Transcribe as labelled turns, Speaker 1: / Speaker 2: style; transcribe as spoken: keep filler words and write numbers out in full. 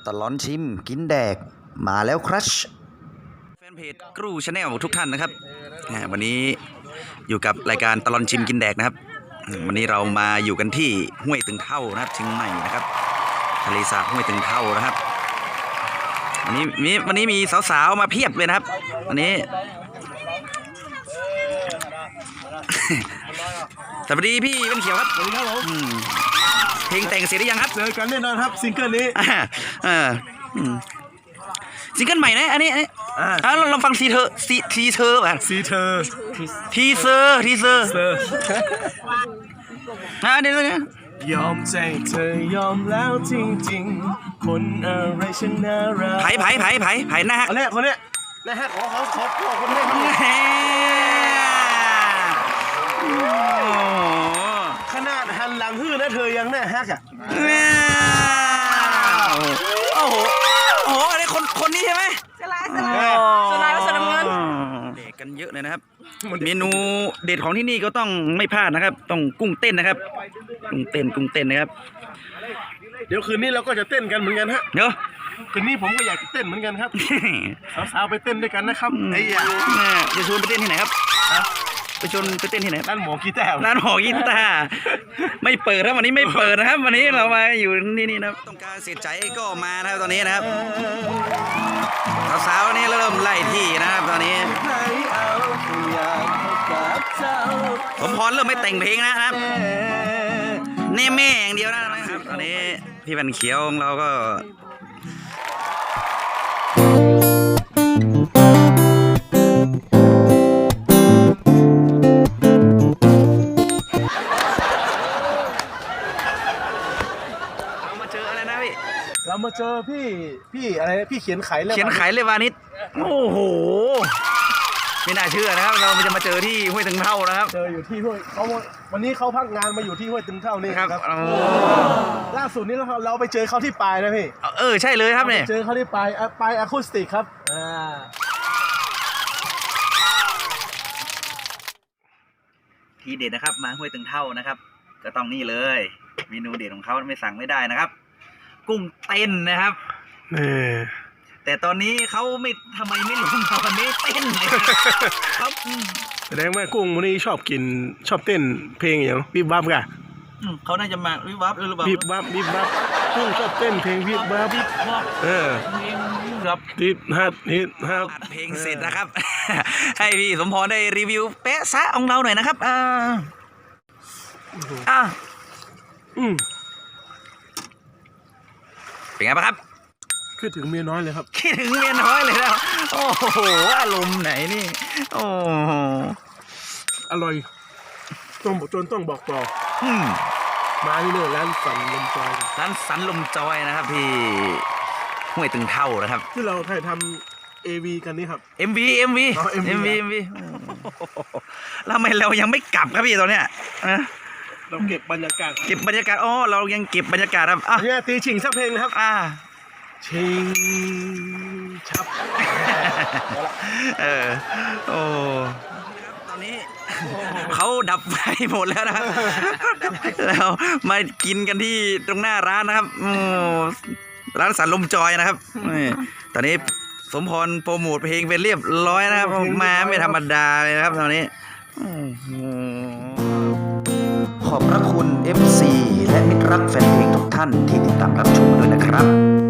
Speaker 1: ตลอดชิมกินแดกมาแล้วครับแฟนเพจกรูชาแนลทุกท่านนะครับวันนี้อยู่กับรายการตลอดชิมกินแดกนะครับวันนี้เรามาอยู่กันที่ห้วยตึงเท่านะครับเชียงใหม่นะครับทะเลสาบห้วยตึงเท่านะครับวันนี้มีวันนี้มีสาวๆมาเพียบเลยนะครับวันนี้ สวัสดีพี่เป็นเขียวครับสวัสดีครับผมเพลงแต่งเสร็จหรือยังครับ
Speaker 2: เจอกันแน่นอนครับซิงเกิลนี้
Speaker 1: ซิงเกิลใหม่นะอันนี้อันนี้อ่าลองฟังทีเธอทีทีเธอป่ะ
Speaker 2: ทีเธอ
Speaker 1: ทีเซอร์ทีเซอร์อ่าเดี๋ยวนี้
Speaker 2: ยอมใจเธอยอมแล้วจริงๆคนอะไรฉันน่ารัก
Speaker 1: ไผ่ไผ่ไผ่ไผ่ไผ่หน้าฮัก
Speaker 2: คนนี้คนนี้นะฮะขอขอขอขอคนนี้ขนาดหันหลังฮื้อนะเธอยังแน่ฮักอ่ะ
Speaker 1: โอ้โหโอ้โหอันนี้คนคนนี้ใช่ไหม
Speaker 3: สลายสลายสลายวัสดุเงิน
Speaker 1: เด็กกันเยอะเลยนะครับเมนูเด็ดของที่นี่ก็ต้องไม่พลาดนะครับต้องกุ้งเต้นนะครับกุ้งเต้นกุ้งเต้นนะครับ
Speaker 2: เดี๋ยวคืนนี้เราก็จะเต้นกันเหมือนกันฮะ
Speaker 1: เดี๋ยว
Speaker 2: คืนนี้ผมก็อยากจะเต้นเหมือนกันครับสาวๆไปเต้นด้วยกันนะครับ
Speaker 1: ไอ้ยาจะชวนไปเต้นที่ไหนครับไปชวนไปเต้นที่ไหน
Speaker 2: ร้านหมอกีตาร์
Speaker 1: ร้านหมอกีตาร์ไม่เปิดครับวันนี้ไม่เปิดนะครับวันนี้เรามาอยู่นี่นี่นะต้องการเสียใจก็มานะครับตอนนี้นะครับสาวๆนี่เริ่มไล่ที่นะครับตอนนี้ผมพรเริ่มไม่แต่งเพลงนะครับแน่แม่อย่างเดียวนะครับตอนนี้พี่วันเขียวของเราก็
Speaker 2: เรามาเจอพี่พี่อะไรพี่เขียนไขเลย
Speaker 1: เขียนไขเลยวานิชโอ้โหไม่น่าเชื่อนะครับเราจะมาเจอที่ห้วยตึงเท่านะครับ
Speaker 2: เจออยู่ที่ห้วยเขาวันนี้เขาพักงานมาอยู่ที่ห้วยตึงเท่านี่
Speaker 1: ครับ
Speaker 2: ล่าสุดนี้เราเราไปเจอเขาที่ปลายนะพี่
Speaker 1: เออใช่เลยครับเนี่ย
Speaker 2: เจอเขาที่ปลายปลายอะคูสติกครับอ่า
Speaker 1: ทีเด็ดนะครับมาห้วยตึงเท่านะครับก็ต้องนี่เลยเมนูเด็ดของเขาไม่สั่งไม่ได้นะครับกุ้งเต้นนะครับแต่ตอนนี้เขาไม่ทำไมไม่ลงตอนนี้เต้นเลยครับ
Speaker 2: แสดงว่ากุ้งวันนี้ชอบกินชอบเต้นเพลงอย่างวิบวับกะ
Speaker 1: เขาน่าจะมาวิบวับหรือเปล่า
Speaker 2: วิบวับวิบวับกุ้งชอบเต้นเพลงวิบวับวิบวับเออ
Speaker 1: ครับ
Speaker 2: ฮิตฮัทฮิตฮัท
Speaker 1: เพลงเสร็จนะครับให้พี่สมพรได้รีวิวเป๊ะซะของเราหน่อยนะครับอ่าอ่าอืมเป็นไงบ้างครับ
Speaker 2: คิดถึงเมียน้อยเลยครับ
Speaker 1: คิดถึงเมียน้อยเลยแล้วโอ้โหอารมณ์ไหนนี่โอ้โห
Speaker 2: อร่อยต้องจนต้องบอกต่อมาที่นี่ร้านสันลมจอย
Speaker 1: ร้านสันลมจอยนะครับที่ห้วยตึงเท่านะครับ
Speaker 2: ที่เราถ่ายทำเอวีกันนี่ครับ
Speaker 1: เอ็ม วี เอ็ม วี เอ็ม วี เอ็ม วีแล้วทำไมเรายังไม่กลับครับพี่ตอนเนี้ย
Speaker 2: เราเก็บบรรยากาศ
Speaker 1: เก็บบรรยากาศอ๋อเรายังเก็บบรรยากาศครับอ่ะ
Speaker 2: เนี่ยตีชิงสักเพลงนะครับ
Speaker 1: อ่า
Speaker 2: ชิงชับ
Speaker 1: เออโอ้ตอนนี้เขาดับไฟหมดแล้วนะครับแล้วมากินกันที่ตรงหน้าร้านนะครับร้านสันลมจอยนะครับตอนนี้สมพรโปรโมทเพลงเป็นเรียบร้อยนะครับมาไม่ธรรมดาเลยนะครับตอนนี้ขอบพระคุณ เอฟ ซี และมิตรรักแฟนเพลงทุกท่านที่ติดตามรับชมด้วยนะครับ